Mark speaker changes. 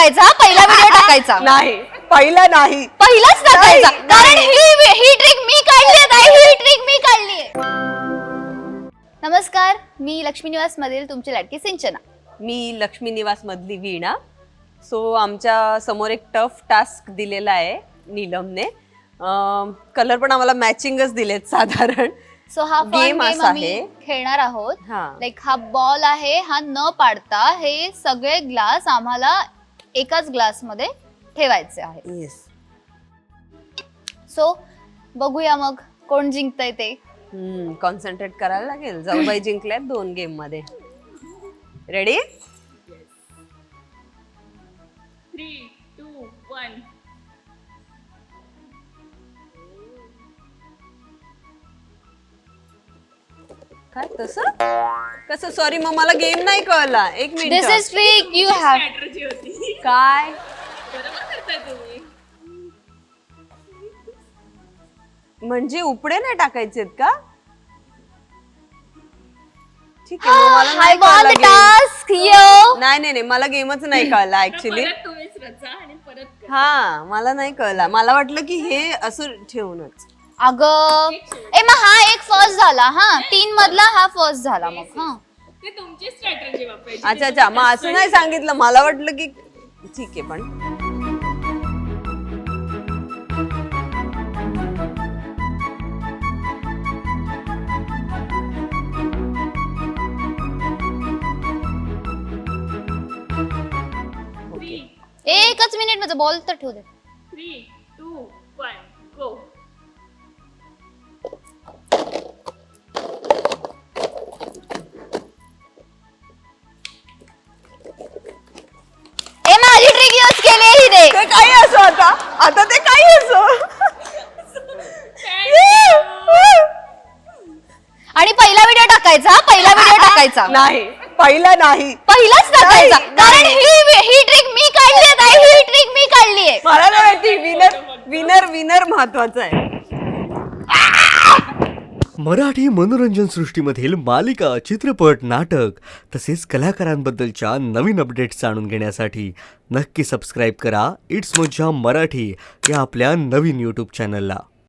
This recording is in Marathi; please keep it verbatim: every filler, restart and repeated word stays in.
Speaker 1: टाकायचा, पहिला व्हिडिओ टाकायचा.
Speaker 2: नाही, पहिला नाही,
Speaker 1: पहिलाच टाकायचा, कारण ही ही ट्रिक मी काढली आहे, ही ट्रिक मी काढली आहे. नमस्कार, मी लक्ष्मी निवास मधील तुमची लाडकी सिंचना.
Speaker 2: मी लक्ष्मी निवास मधली वीणा. सो आमच्या समोर एक टफ टास्क दिलेला आहे नीलमने. कलर पण आम्हाला मॅचिंगच दिलेत साधारण.
Speaker 1: सो हा
Speaker 2: Game
Speaker 1: गेम
Speaker 2: असा
Speaker 1: आम्ही
Speaker 2: आहे.
Speaker 1: खेळणार आहोत.
Speaker 2: हा.
Speaker 1: लाईक हा बॉल आहे, हा न पाडता हे सगळे ग्लास आम्हाला एकाच ग्लास मध्ये ठेवायचे आहेत.
Speaker 2: येस.
Speaker 1: सो बघूया मग कोण जिंकतंय ते.
Speaker 2: हम्म कॉन्सन्ट्रेट करायला लागेल. जाऊबाई जिंकल्यात दोन गेम मध्ये. रेडी?
Speaker 3: Three two one.
Speaker 2: काय तसं कसं? सॉरी, मग मला गेम नाही कळला. एक
Speaker 1: this
Speaker 2: minute.
Speaker 1: Is trick you have.
Speaker 3: Strategy होती.
Speaker 2: काय
Speaker 3: बरोबर करताय तुम्ही.
Speaker 2: म्हणजे उपडे नाही टाकायचेत का? ठीक आहे, मग मला
Speaker 1: I
Speaker 2: नाही
Speaker 1: won
Speaker 2: कळला
Speaker 1: the
Speaker 2: game.
Speaker 1: task here.
Speaker 2: नाही नाही नाही, मला गेमच नाही कळला ऍक्च्युली.
Speaker 3: परत तुम्हीच रचा आणि परत करा.
Speaker 2: हा, मला नाही कळला. मला वाटलं की हे असं ठेवूनच.
Speaker 1: अगं ए मग हा एक फर्स्ट झाला. हा, तीन मधला हा फर्स्ट झाला. मग हा
Speaker 3: ते तुमची स्ट्रॅटर्जी वापरायची.
Speaker 2: अच्छा अच्छा, मग असं नाही सांगितलं. मला वाटलं की ठीक आहे. पण
Speaker 3: थ्री
Speaker 1: एकच मिनिट माझा बॉल तर ठेवू दे.
Speaker 3: Three two one go.
Speaker 1: ए माझी ट्रिक यूज केली ही दे.
Speaker 2: ते काही असो, आता आता ते काही असो.
Speaker 1: आणि पहिला व्हिडिओ टाकायचा, पहिला व्हिडिओ टाकायचा.
Speaker 2: नाही, पहिला नाही,
Speaker 1: पहिलाच टाकायचा,
Speaker 2: नाही,
Speaker 1: कारण
Speaker 2: नाही.
Speaker 1: ही ही ट्रिक मी काढली आहे, ही ट्रिक मी काढली आहे.
Speaker 2: मला नाही माहिती. विनर विनर विनर महत्वाचा आहे.
Speaker 4: मराठी मनोरंजन सृष्टीमधील मालिका, चित्रपट, नाटक तसेच कलाकारांबद्दलच्या नवीन अपडेट्स जाणून घेण्यासाठी नक्की सबस्क्राईब करा इट्स मज्जा मराठी या आपल्या नवीन यूट्यूब चॅनलला.